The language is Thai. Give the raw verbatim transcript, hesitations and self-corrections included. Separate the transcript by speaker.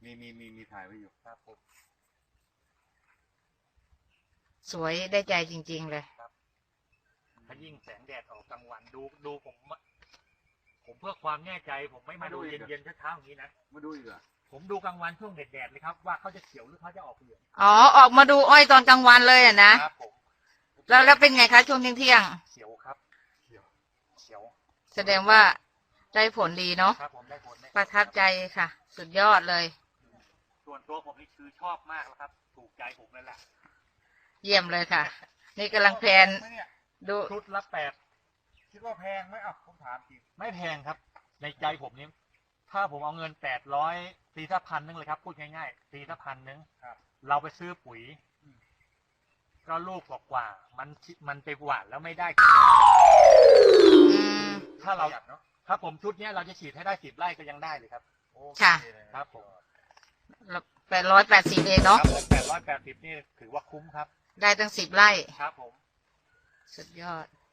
Speaker 1: มีมีมีมีถ่ายไว้อยู่ครับผม
Speaker 2: สวยได้ใจจริงๆเลย
Speaker 3: ถ้ายิ่งแสงแดดออกกลางวันดูดูผมผมเพื่อความแน่ใจผมไม่มาดูเย็นเย็นเช้าๆอย่างนี้นะ
Speaker 1: มาดูอีกเหรอ
Speaker 3: ผมดูกลางวันช่วงแดดๆเลยครับว่าเขาจะเขียวหรือเขาจะออกเหลือง
Speaker 2: อ๋อออกมาดูอ้อยตอนกลางวันเลยอ่ะนะครับ
Speaker 3: ผม
Speaker 2: แล้วแล้วเป็นไงคะช่วงเที่ยง
Speaker 3: เขียวครับเขียวเขียว
Speaker 2: ๆแสดงว่าได้ผลดีเนาะ
Speaker 3: ครับผมได้ผลได้ผล
Speaker 2: ประทับใจค่ะ สุดยอดเลย
Speaker 3: ส่วนตัวผมนี่คือชอบมากแล้วครับถูกใจผมเลยแหละ
Speaker 2: เยี่ยมเลยค่ะ นี่กำลังแพลนดู
Speaker 3: ชุดละแปด
Speaker 1: คิดว่าแพงไหมอ่ะผมถามจริง
Speaker 3: ไม่แพงครับ ในใจผมนี่ถ้าผมเอาเงินแปดร้อยตีสักพันนึงเลยครับพูดง่ายๆตีสักพันนึง
Speaker 1: ครับ
Speaker 3: เราไปซื้อปุ๋ยก็ลูกกว่าๆมันมันไปหวานแล้วไม่ได้
Speaker 2: อืม
Speaker 3: ถ้าเรา
Speaker 1: ประหยัดเนาะ
Speaker 3: ถ้าผมชุดเนี้ยเราจะฉีดให้ได้สิบไร่ก็ยังได้เลยครับ
Speaker 1: โอเ
Speaker 2: ค่ะ
Speaker 1: เลย
Speaker 3: ครับผม
Speaker 2: แปดร้อยแปดสิบเองเนาะ
Speaker 3: ครับผมแปดร้อยแปดสิบนี่ถือว่าคุ้มครับ
Speaker 2: ได้ตั้งสิบไร่
Speaker 3: ครับผม
Speaker 2: สุดยอด